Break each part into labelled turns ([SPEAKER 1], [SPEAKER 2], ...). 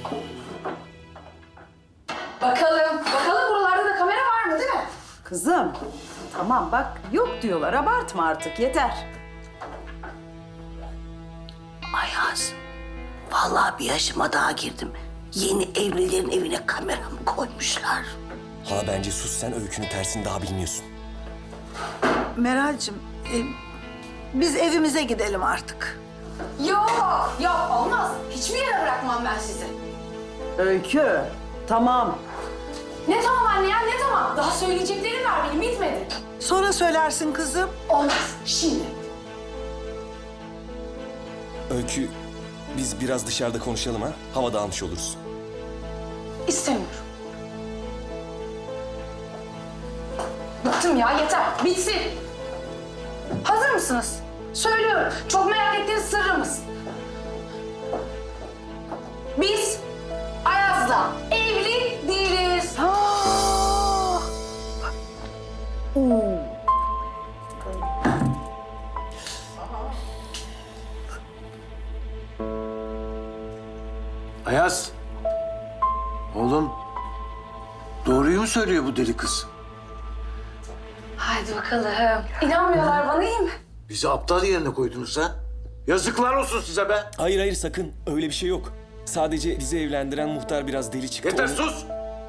[SPEAKER 1] Bakalım buralarda da kamera var mı değil mi?
[SPEAKER 2] Kızım, tamam bak yok diyorlar. Abartma artık, yeter.
[SPEAKER 3] Ayaz, vallahi bir yaşıma daha girdim. Yeni evlilerin evine kamera mı koymuşlar?
[SPEAKER 4] Hala bence sus, sen öykünün tersini daha bilmiyorsun.
[SPEAKER 5] Meral'cığım, biz evimize gidelim artık.
[SPEAKER 1] Yok olmaz. Hiçbir yere bırakmam ben sizi.
[SPEAKER 2] Öykü, tamam.
[SPEAKER 1] Ne tamam anne ya ne tamam? Daha söyleyeceklerim var benim bitmedi.
[SPEAKER 5] Sonra söylersin kızım.
[SPEAKER 1] Olmaz şimdi.
[SPEAKER 4] Öykü, biz biraz dışarıda konuşalım ha? Hava dağılmış oluruz.
[SPEAKER 1] İstemiyorum. Bıktım ya yeter. Bitsin. Hazır mısınız? Söylüyorum. Çok merak ettiğiniz sırrımız. Biz Ayaz'la evli değiliz.
[SPEAKER 6] Ayaz. Oğlum. Doğruyu mu söylüyor bu deli kız?
[SPEAKER 1] Haydi bakalım. İnanmıyorlar bana iyi mi?
[SPEAKER 6] Bizi aptal yerine koydunuz ha? Yazıklar olsun size be.
[SPEAKER 4] Hayır sakın, öyle bir şey yok. Sadece bizi evlendiren muhtar biraz deli çıktı.
[SPEAKER 6] Yeter
[SPEAKER 4] onu-
[SPEAKER 6] sus.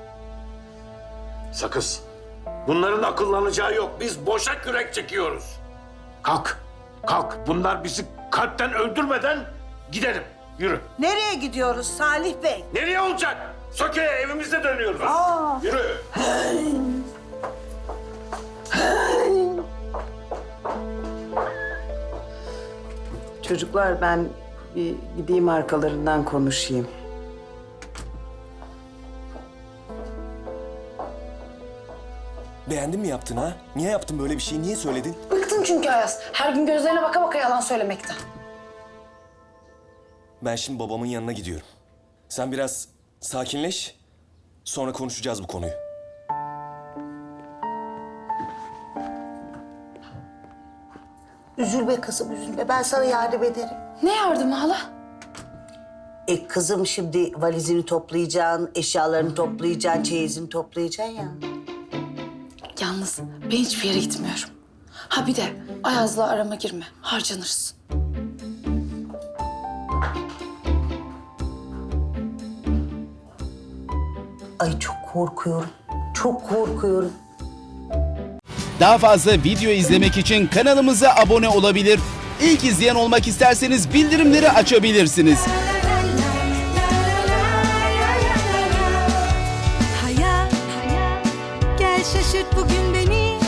[SPEAKER 6] Sakız. Bunların akıllanacağı yok. Biz boşa kürek çekiyoruz. Kalk. Kalk. Bunlar bizi kalpten öldürmeden gidelim. Yürü.
[SPEAKER 5] Nereye gidiyoruz Salih Bey?
[SPEAKER 6] Nereye olacak? Söke'ye evimize dönüyoruz. Yürü.
[SPEAKER 2] Çocuklar ben bir gideyim arkalarından konuşayım.
[SPEAKER 4] Beğendin mi yaptın ha? Niye yaptın böyle bir şeyi? Niye söyledin?
[SPEAKER 1] Bıktım çünkü Ayaz. Her gün gözlerine baka baka yalan söylemekten.
[SPEAKER 4] Ben şimdi babamın yanına gidiyorum. Sen biraz sakinleş. Sonra konuşacağız bu konuyu.
[SPEAKER 3] Üzülme kızım, üzülme. Ben sana yardım ederim.
[SPEAKER 1] Ne yardımı hala?
[SPEAKER 3] Kızım şimdi valizini toplayacaksın, eşyalarını toplayacaksın, çeyizini toplayacaksın ya.
[SPEAKER 1] Yalnız ben hiçbir yere gitmiyorum. Ha bir de Ayaz'la arama girme. Harcanırsın.
[SPEAKER 3] Ay çok korkuyorum, çok korkuyorum.
[SPEAKER 7] Daha fazla video izlemek için kanalımıza abone olabilir. İlk izleyen olmak isterseniz bildirimleri açabilirsiniz.
[SPEAKER 8] Hayat, gel şaşırt bugün beni.